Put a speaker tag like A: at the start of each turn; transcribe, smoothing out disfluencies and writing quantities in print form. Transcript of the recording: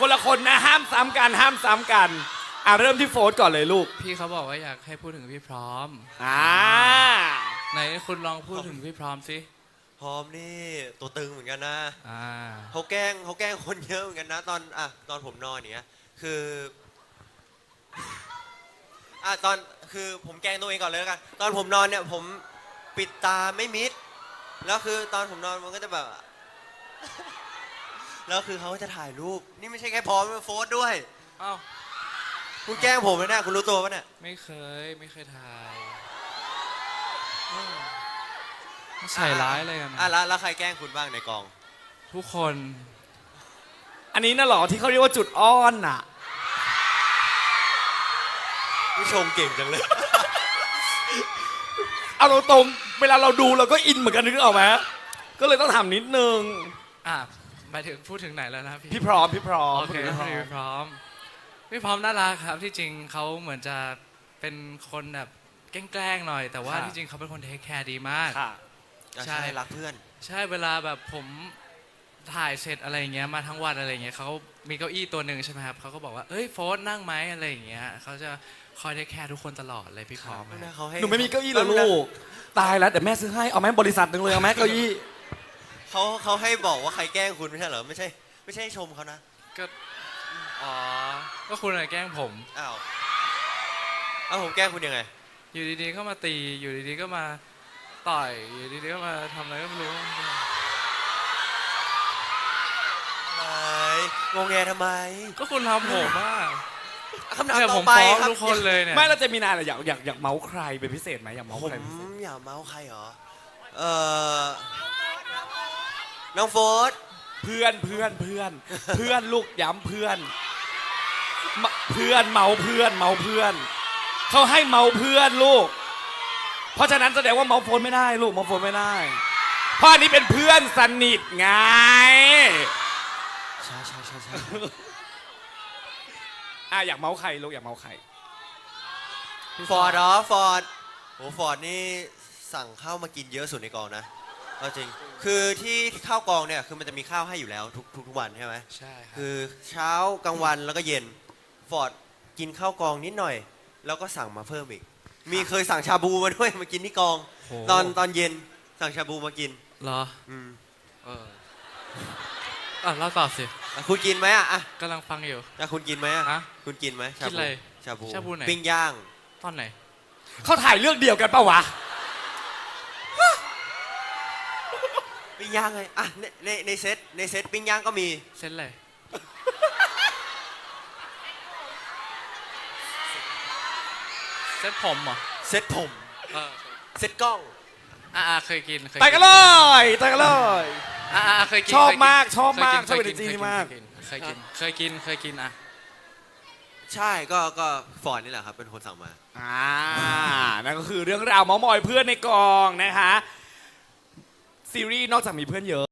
A: คนละคนนะห้ามซ้ำกันห้ามซ้ำกันเริ่มที่โฟร์ก่อนเลยลูก
B: พี่เขาบอกว่าอยากให้พูดถึงพี่พร้อมไหนคุณลองพูดถึงพี่พร้อมสิ
C: พร้อมนี่ตัวตึงเหมือนกันนะ
B: อ่า
C: เขาแกล้งคนเยอะเหมือนกันนะตอนผมนอนเนี้ยคือคือผมแกล้งตัวเองก่อนเลยแล้วกันตอนผมนอนเนี่ยผมปิดตาไม่มิดแล้วคือตอนผมนอนมันก็จะแบบแล้วคือเขาจะถ่ายรูปนี่ไม่ใช่แค่พร้อมโฟร์ด้วย
B: อ้าว
C: คุณแกล้งผมเลยนะคุณรู้ตัวปะเนี่ย
B: ไม่เคยถ่ายใส่ร้ายอะไรกัน
C: แล้วใครแกล้งคุณบ้างในกอง
B: ทุกคน
A: อันนี้น่ะหรอที่เขาเรียกว่าจุดอ้อนน่ะ
C: ผู้ชมเก่งจังเลย
A: เอาตรงเวลาเราดูเราก็อินเหมือนกันนึกออกไหมก็เลยต้องถามนิดนึง
B: หมายถึงพูดถึงไหนแล้วนะ
A: พี่พร้อม
B: โอเคพี่พร้อมน่ารักครับที่จริงเขาเหมือนจะเป็นคนแบบแกล้งหน่อยแต่ว่าที่จริงเขาเป็นคนเทคแคร์ดีมาก
C: ใช่รักเพื่อน
B: ใช่เวลาแบบผมถ่ายเสร็จอะไรเงี้ยมาทั้งวันอะไรเงี้ยเขามีเก้าอี้ตัวหนึ่งใช่ไหมครับเขาก็บอกว่าเอ้ยโฟร์นั่งไหมอะไรอย่างเงี้ยเขาจะคอยเทคแคร์ทุกคนตลอดเลยพี่พร้อม
A: หนูไม่มีเก้าอี้เหรอลูกตายแล้วแต่แม่ซื้อให้เอาแม่บริษัทหนึ่งเลยเอาแม่เก้าอี้
C: เขาให้บอกว่าใครแกล้งคุณไม่ใช่เหรอไม่ใช่ชมเขานะ
B: ก็คุณอะไรแกล้งผม
C: เอาผมแกล้งคุณยังไง
B: อยู่ดีๆก็มาตีอยู่ดีๆก็มาต่อยอยู่ดีๆก็มาทำอะไรก็ไม่รู้
C: งงแงทำไม
B: ก็คุณทำผม
C: คำถามต่อไปครับ
B: ทุกคนเลยเนี่ย
A: ไม่เราจะมีนานอยากเมาส์ใครเป็นพิเศษไหมอยากเมาส์ใคร
C: ผมอยากเมาส์ใครเหรอน้องโฟร์
A: เพื่อนลูกย้ำเพื่อนเมาเพื่อนเขาให้เมาเพื่อนลูกเพราะฉะนั้นแสดงว่าเมาโฟนไม่ได้ลูกเมาโฟนไม่ได้เพราะอันนี้เป็นเพื่อนสนิทไง
C: ใช่
A: อยากเมาใครลูกอยากเมาใคร
C: ฟอร์ดโอ้ฟอร์ดนี่สั่งข้าวมากินเยอะสุดในกองนะจริงคือที่ข้าวกองเนี่ยคือมันจะมีข้าวให้อยู่แล้วทุกวันใช่ไหม
B: ใช่ครับ
C: คือเช้ากลางวันแล้วก็เย็นฟอร์ดกินข้าวกองนิดหน่อยแล้วก็สั่งมาเพิ่มอีกมีเคยสั่งชาบูมาด้วยมากินที่กองตอนเย็นสั่งชาบูมากิน
B: เหรอเราตอบสิ
C: คุณกินไหม
B: กำลังฟังอยู่
C: คุณกินไหมคุณกินไหม
B: กินอะไร
C: ชาบู
B: ไหน
C: ปิ้งย่าง
B: ตอนไหน
A: เขาถ่ายเรื่องเดียวกันปะวะ
C: ปิ้งย่างไงในเซตปิ้งย่างก็มี
B: เซตอะไรเซตผมเหรอ
C: เซตผมเซตกล้อง
B: เคยกิน
A: แต่กันเลย
B: เคยกิน
A: ชอบมากชอบเป็นจีนมาก
B: เคยกิน
C: ใช่ก็ฟอร์ดนี่แหละครับเป็นคนสั่งมา
A: นั่นก็คือเรื่องราวเม้ามอยเพื่อนในกองนะคะซีรีส์นอกจากมีเพื่อนเยอะ